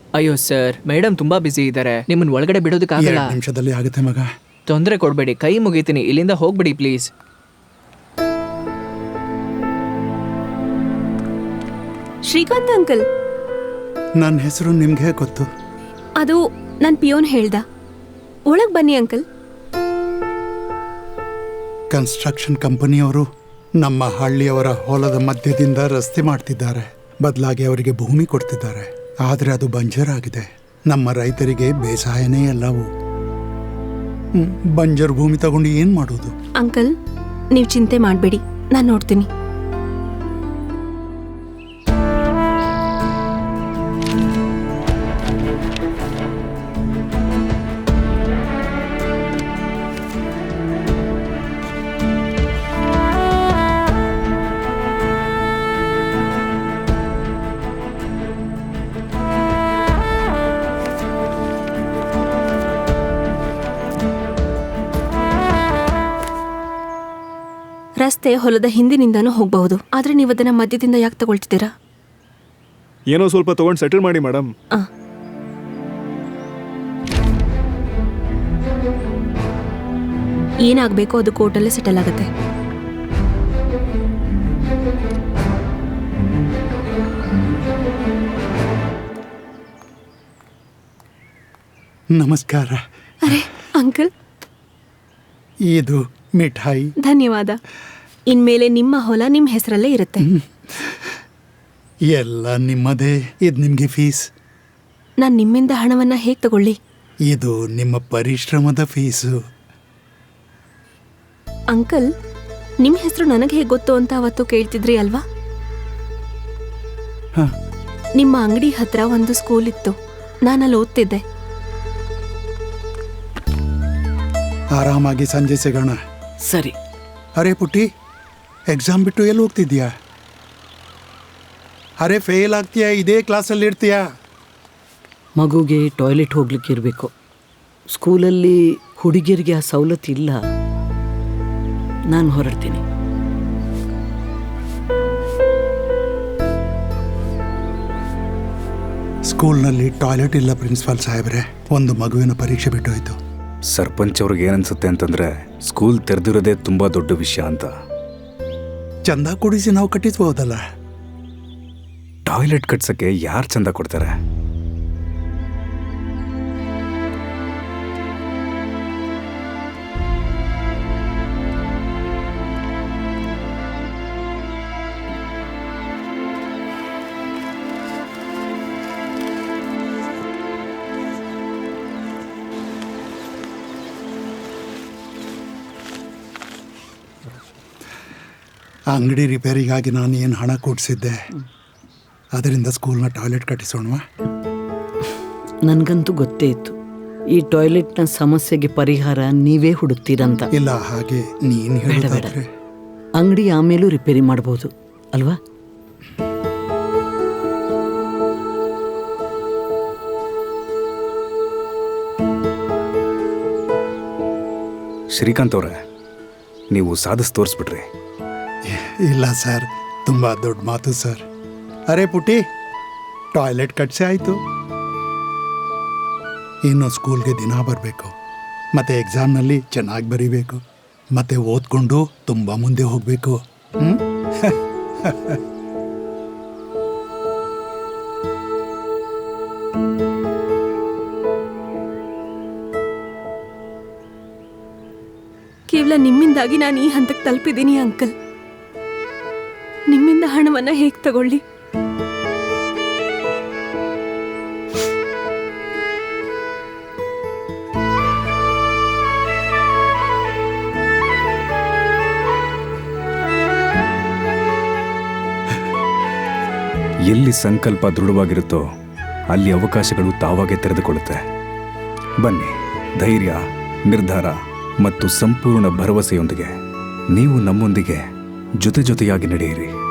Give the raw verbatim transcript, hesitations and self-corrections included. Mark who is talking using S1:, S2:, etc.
S1: ಅಯ್ಯೋ sir, madam ತುಂಬಾ ಬಿಸಿ ಇದ್ದಾರೆ, ನಿಮ್ಮನ್ನ ಒಳಗಡೆ ಬಿಡೋದಕ್ಕಾಗಲ್ಲ.
S2: ಎರಡು ನಿಮಿಷದಲ್ಲಿ ಆಗುತ್ತೆ ಮಗ.
S1: ತೊಂದರೆ ಕೊಡ್ಬೇಡಿ, ಕೈ ಮುಗಿತೀನಿ, ಇಲ್ಲಿಂದ ಹೋಗ್ಬಿಡಿ ಪ್ಲೀಸ್.
S3: ಶ್ರೀಕಾಂತ್ ಅಂಕಲ್,
S2: ನನ್ನ ಹೆಸರು ನಿಮ್ಗೆ ಗೊತ್ತು?
S3: ಅದು ನನ್ನ ಪಿಯೋನ್ ಹೇಳ್ದ. ಒಳಗ್ ಬನ್ನಿ ಅಂಕಲ್.
S2: ಕನ್ಸ್ಟ್ರಕ್ಷನ್ ಕಂಪನಿಯವರು ನಮ್ಮ ಹಳ್ಳಿಯವರ ಹೊಲದ ಮಧ್ಯದಿಂದ ರಸ್ತೆ ಮಾಡ್ತಿದ್ದಾರೆ. ಬದಲಾಗಿ ಅವರಿಗೆ ಭೂಮಿ ಕೊಡ್ತಿದ್ದಾರೆ. ಆದರೆ ಅದು ಬಂಜರ್ ಆಗಿದೆ. ನಮ್ಮ ರೈತರಿಗೆ ಬೇಸಾಯನೇ ಎಲ್ಲವೂ. ಬಂಜರ್ ಭೂಮಿ ತಗೊಂಡು ಏನ್ ಮಾಡೋದು?
S3: ಅಂಕಲ್, ನೀವು ಚಿಂತೆ ಮಾಡಬೇಡಿ, ನಾನು ನೋಡ್ತೀನಿ. ರಸ್ತೆ ಹೊಲದ ಹಿಂದಿನಿಂದಾನು ಹೋಗಬಹುದು, ಆದ್ರೆ ನೀವು ಅದನ್ನ ಮಧ್ಯದಿಂದ ಯಾಕೆ ತಗೊಳ್ತಿದ್ದೀರಾ?
S4: ಏನೋ ಸ್ವಲ್ಪ ತಗೊಂಡು ಸೆಟಲ್ ಮಾಡಿ ಮೇಡಮ್.
S3: ಏನಾಗಬೇಕು ಅದು ಕೋರ್ಟಲ್ಲೇ ಸೆಟಲ್ ಆಗುತ್ತೆ.
S2: ನಮಸ್ಕಾರ.
S3: ಅರೆ ಅಂಕಲ್,
S2: ಇದು ಮಿಠಾಯಿ.
S3: ಧನ್ಯವಾದ. ಇನ್ಮೇಲೆ ನಿಮ್ಮ ಹೊಲ ನಿಮ್ಮ ಹೆಸರಲ್ಲೇ ಇರುತ್ತೆ.
S2: ಎಲ್ಲ ನಿಮ್ಮದೇ. ಇದು ನಿಮಗೆ ಫೀಸ್.
S3: ನಾನು ನಿಮ್ಮಿಂದ ಹಣವನ್ನ ಹೇಗೆ ತಗೊಳ್ಳಿ?
S2: ಇದು ನಿಮ್ಮ ಪರಿಶ್ರಮದ ಫೀಸು.
S3: ಅಂಕಲ್, ನಿಮ್ಮ ಹೆಸರು ನನಗೆ ಹೇಗೆ ಗೊತ್ತು ಅಂತ ಅವತ್ತು ಕೇಳ್ತಿದ್ರಿ ಅಲ್ವಾ? ನಿಮ್ಮ ಅಂಗಡಿ ಹತ್ರ ಒಂದು ಸ್ಕೂಲ್ ಇತ್ತು, ನಾನಲ್ಲಿ ಓದ್ತಿದ್ದೆ.
S2: ಆರಾಮಾಗಿ ಸಂಜೆ ಸಿಗೋಣ.
S5: ಸರಿ.
S2: ಅರೆ ಪುಟ್ಟಿ, ಎಕ್ಸಾಮ್ ಬಿಟ್ಟು ಎಲ್ಲಿ ಹೋಗ್ತಿದ್ಯಾ? ಅರೆ ಫೇಲ್ ಆಗ್ತೀಯಾ, ಇದೇ ಕ್ಲಾಸಲ್ಲಿ ಇರ್ತೀಯಾ?
S5: ಮಗುಗೆ ಟಾಯ್ಲೆಟ್ ಹೋಗ್ಲಿಕ್ಕೆ ಇರಬೇಕು. ಸ್ಕೂಲಲ್ಲಿ ಹುಡುಗಿಯರಿಗೆ ಆ ಸವಲತ್ತು ಇಲ್ಲ. ನಾನು ಹೊರಡ್ತೀನಿ.
S2: ಸ್ಕೂಲ್ನಲ್ಲಿ ಟಾಯ್ಲೆಟ್ ಇಲ್ಲ ಪ್ರಿನ್ಸಿಪಾಲ್ ಸಾಹೇಬ್ರೆ. ಒಂದು ಮಗುವಿನ ಪರೀಕ್ಷೆ ಬಿಟ್ಟು ಹೋಯ್ತು.
S6: ಸರ್ಪಂಚ್ ಅವ್ರಿಗೆ ಏನನ್ಸುತ್ತೆ ಅಂತಂದ್ರೆ ಸ್ಕೂಲ್ ತೆರೆದಿರೋದೇ ತುಂಬಾ ದೊಡ್ಡ ವಿಷಯ ಅಂತ.
S2: ಚಂದ ಕೊಡಿಸಿ ನಾವು ಕಟ್ಟಿಸ್ಬೋದಲ್ಲ.
S6: ಟಾಯ್ಲೆಟ್ ಕಟ್ಸಕ್ಕೆ ಯಾರು ಚಂದ ಕೊಡ್ತಾರೆ?
S2: ಅಂಗಡಿ ರಿಪೇರಿಗಾಗಿ ನಾನು ಏನು ಹಣ ಕೊಡಿಸಿದ್ದೆ, ಅದರಿಂದ ಸ್ಕೂಲ್ನ ಟಾಯ್ಲೆಟ್ ಕಟ್ಟಿಸೋಣವಾ?
S5: ನನಗಂತೂ ಗೊತ್ತೇ ಇತ್ತು ಈ ಟಾಯ್ಲೆಟ್ನ ಸಮಸ್ಯೆಗೆ ಪರಿಹಾರ ನೀವೇ ಹುಡುಕ್ತೀರಂತ.
S2: ಇಲ್ಲ, ಹಾಗೆ ನೀನು ಹೇಳಿದ್ರೆ
S5: ಅಂಗಡಿ ಆಮೇಲೂ ರಿಪೇರಿ ಮಾಡ್ಬೋದು ಅಲ್ವಾ?
S6: ಶ್ರೀಕಾಂತ್ ಅವರೇ, ನೀವು ಸಾಧಿಸಿ ತೋರಿಸ್ಬಿಟ್ರಿ.
S2: ಇಲ್ಲ ಸರ್, ತುಂಬ ದೊಡ್ಡ ಮಾತು ಸರ್. ಅರೆ ಪುಟ್ಟಿ, ಟಾಯ್ಲೆಟ್ ಕಟ್ಸೆ ಆಯಿತು. ಇನ್ನು ಸ್ಕೂಲ್ಗೆ ದಿನ ಬರಬೇಕು, ಮತ್ತು ಎಕ್ಸಾಮ್ನಲ್ಲಿ ಚೆನ್ನಾಗಿ ಬರೀಬೇಕು, ಮತ್ತು ಓದ್ಕೊಂಡು ತುಂಬ ಮುಂದೆ ಹೋಗಬೇಕು. ಹ್ಞೂ
S3: ಕೇವಲ ನಿಮ್ಮಿಂದಾಗಿ ನಾನು ಈ ಹಂತಕ್ಕೆ ತಲುಪಿದ್ದೀನಿ ಅಂಕಲ್. ನಿಮ್ಮಿಂದ ಹಣವನ್ನ ಹೇಗೆ ತಗೊಳ್ಳಿ?
S6: ಎಲ್ಲಿ ಸಂಕಲ್ಪ ದೃಢವಾಗಿರುತ್ತೋ ಅಲ್ಲಿ ಅವಕಾಶಗಳು ತಾವಾಗೇ ತೆರೆದುಕೊಳ್ಳುತ್ತೆ. ಬನ್ನಿ, ಧೈರ್ಯ, ನಿರ್ಧಾರ ಮತ್ತು ಸಂಪೂರ್ಣ ಭರವಸೆಯೊಂದಿಗೆ ನೀವು ನಮ್ಮೊಂದಿಗೆ ಜೊತೆ ಜೊತೆಯಾಗಿ ನಡೆಯಿರಿ.